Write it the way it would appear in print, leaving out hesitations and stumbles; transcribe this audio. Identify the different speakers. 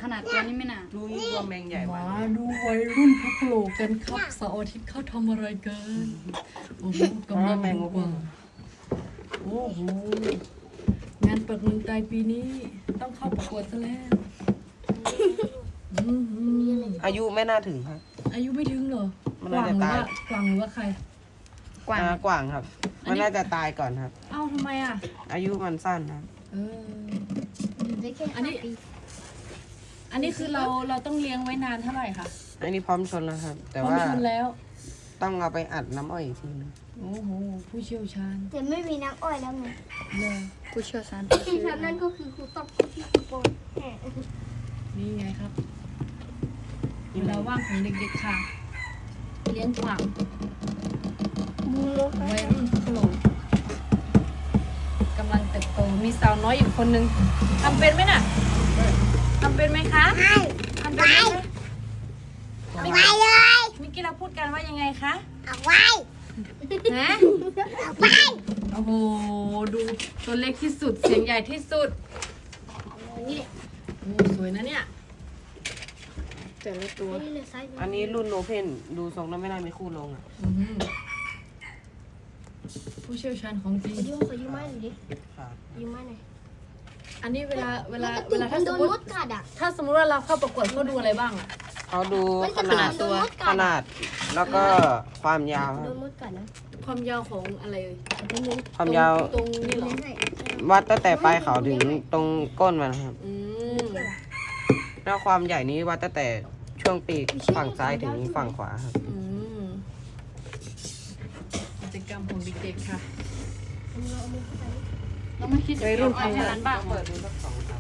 Speaker 1: ขนาดตัวนี้ไม่น่ะ
Speaker 2: ดูนี่ตัวแมงใหญ่
Speaker 3: มา
Speaker 2: มา
Speaker 3: ดูวัยรุ่นพักโลกกันครับเสาร์อาทิตย์เขาทำอะไรกันโอ้โหกำลังดูว่าโอ้โหงานปักเมืองไทยปีนี้ต้องเข้าประกวดซะแล้วอื้อหือ
Speaker 2: อายุไม่น่าถึงครับ
Speaker 3: อายุไม่ถึงเหรอ
Speaker 2: มัน
Speaker 3: กวา
Speaker 2: น่าง
Speaker 3: ห
Speaker 2: จะ
Speaker 3: รือ
Speaker 2: ตาย
Speaker 3: ว่ากวางหรือว่าใคร
Speaker 1: กวาง
Speaker 2: กว่างครับ มันน่าจะตายก่อนครับ
Speaker 3: เอ้าทำไมอ่ะ
Speaker 2: อายุมันสั้นครับ
Speaker 3: เออ
Speaker 4: อยู่ได้แค่
Speaker 3: อันนี้
Speaker 4: 5 ปี
Speaker 3: อันนี้คือเราต้องเลี้ยงไว้นานเท่าไหร่คะ
Speaker 2: อันนี้พร้อมชนแล้วครับ แต่
Speaker 3: พร้อม
Speaker 2: ว่า
Speaker 3: ชนแล้ว
Speaker 2: ต้องเอาไปอัดน้ำอ้อยอีกทีนึง
Speaker 3: โอ้โหผู้เชี่ยวชาญ
Speaker 4: แต่ไม่มีน้ำอ้อยแล้วไง
Speaker 3: เลย
Speaker 1: ผู้เชี่ยวชาญ
Speaker 4: ที่ทำนั่นก็คือครูต้องที่ครูโปนแหม
Speaker 3: นี่ไงครับเวลาว่างของเด็กๆค่ะ เลี้ยงกวาง
Speaker 4: มูโล
Speaker 3: วัยรุ่นพักโลกกำลังเติบโตมีสาวน้อยอีกคนนึงทำเป็นไหมน่ะทำเป็นไหมคะทำเป็นไหมคะ
Speaker 4: เอาไว้เลย
Speaker 3: เมื่อกี้เราพูดกันว่ายังไงคะ
Speaker 4: เอาไว้
Speaker 3: ฮะ
Speaker 4: เอาไว้
Speaker 3: โอ้โหดูตัวเล็กที่สุดเสียงใหญ่ที่สุด
Speaker 4: นี่
Speaker 3: โอ้สวยนะเนี่ย
Speaker 1: แต่ละตัว
Speaker 4: นี่เลยซ้าย
Speaker 2: อันนี้รุ่นโอเพนดูทรงแล้วไม่น่ามีคู่ลงอ่ะ
Speaker 3: อื้อหือผู้เชี่ยวชาญของจริง
Speaker 4: ขอยืมไม้หน่อยดิ
Speaker 2: ครับ
Speaker 4: ยืมไม้หน่อย
Speaker 3: อันนี้เวลา
Speaker 4: มัน
Speaker 3: ถ้า
Speaker 4: โด
Speaker 3: สม
Speaker 4: น
Speaker 3: ม
Speaker 4: ม
Speaker 3: ติ
Speaker 4: ดกัดอ่ะ
Speaker 3: ถ้าสมมติว่าเราเข้าประกวดเขาดูอะไรบ้างอะ
Speaker 2: เขาดู
Speaker 4: มัน
Speaker 2: ข
Speaker 4: จะ
Speaker 2: นาด
Speaker 4: โดนมด
Speaker 2: ข
Speaker 4: กัด
Speaker 2: นาด แล้วก็ความยาวค
Speaker 4: โด
Speaker 2: รับ
Speaker 4: นมดกัดนะ
Speaker 3: ความยาวของอะไรเอ่ย
Speaker 4: เป็นยัง
Speaker 2: ความยาว
Speaker 3: ตรงนี่เหรอ
Speaker 4: ให้
Speaker 2: วัดตั้งแต่ปลายเขาถึงตรงก้นมันครับ
Speaker 3: อืม
Speaker 2: แล้วความใหญ่นี้วัดตั้งแต่ช่วงปีกฝั่งซ้ายถึงฝั่งขวาครับ
Speaker 3: อืมกิจกรรมของเด็กๆค่ะ
Speaker 4: เอามือเข้าไป
Speaker 1: เราไม่คิดจะ
Speaker 3: วัยรุ่น
Speaker 1: เอาให้
Speaker 3: ทำงาน
Speaker 1: ร้านบ้าง
Speaker 2: เปิดดูสักสอง